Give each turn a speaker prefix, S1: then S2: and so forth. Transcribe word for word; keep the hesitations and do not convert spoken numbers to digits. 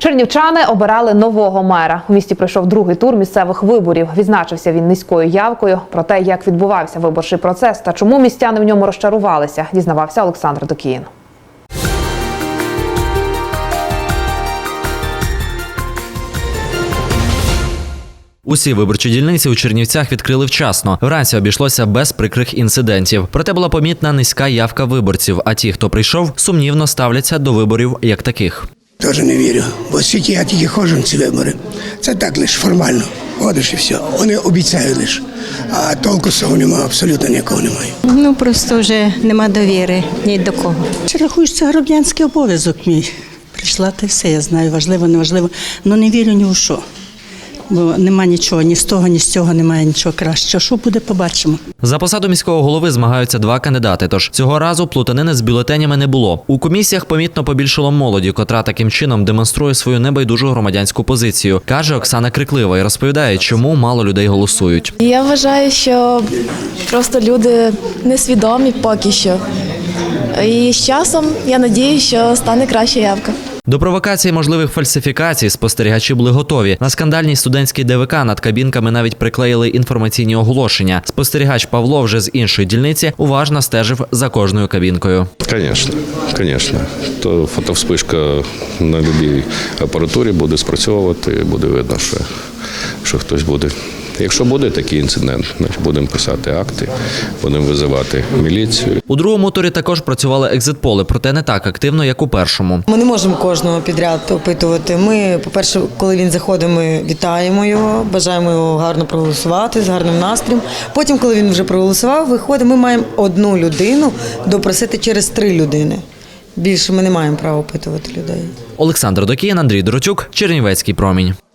S1: Чернівчани обирали нового мера. У місті пройшов другий тур місцевих виборів. Відзначився він низькою явкою. Про те, як відбувався виборчий процес та чому містяни в ньому розчарувалися, дізнавався Олександр Докіїн.
S2: Усі виборчі дільниці у Чернівцях відкрили вчасно. Вранці обійшлося без прикрих інцидентів. Проте була помітна низька явка виборців, а ті, хто прийшов, сумнівно ставляться до виборів як таких.
S3: Теж не вірю, бо скільки я тільки ходжу на ці вибори. Це так лише формально. Ходиш і все. Вони обіцяють лише, а толку з цього немає, абсолютно ніякого немає.
S4: Ну, просто вже нема довіри ні до кого.
S5: Чи рахуєш, це громадянський обов'язок мій. Прийшла, та все, я знаю, важливо, неважливо, але не вірю ні у що. Бо нема нічого, ні з того, ні з цього немає нічого кращого. Що буде, побачимо.
S2: За посаду міського голови змагаються два кандидати, тож цього разу плутанини з бюлетенями не було. У комісіях помітно побільшало молоді, котра таким чином демонструє свою небайдужу громадянську позицію, каже Оксана Криклива і розповідає, чому мало людей голосують.
S6: Я вважаю, що просто люди несвідомі поки що. І з часом, я сподіваюся, що стане краща явка.
S2: До провокації можливих фальсифікацій спостерігачі були готові. На скандальній студентській ДВК над кабінками навіть приклеїли інформаційні оголошення. Спостерігач Павло вже з іншої дільниці уважно стежив за кожною кабінкою.
S7: Звісно, звісно. То фотовспишка на будь-якій апаратурі буде спрацьовувати, буде видно, що, що хтось буде. Якщо буде такий інцидент, значить будемо писати акти, будемо визивати міліцію.
S2: У другому турі також працювали екзит-поли, проте не так активно, як у першому.
S8: Ми не можемо кожного підряд опитувати. Ми, по-перше, коли він заходить, ми вітаємо його, бажаємо його гарно проголосувати, з гарним настроєм. Потім, коли він вже проголосував, виходить, ми маємо одну людину допросити через три людини. Більше ми не маємо права опитувати людей.
S2: Олександр Докіїн, Андрій Доротюк, Чернівецький промінь.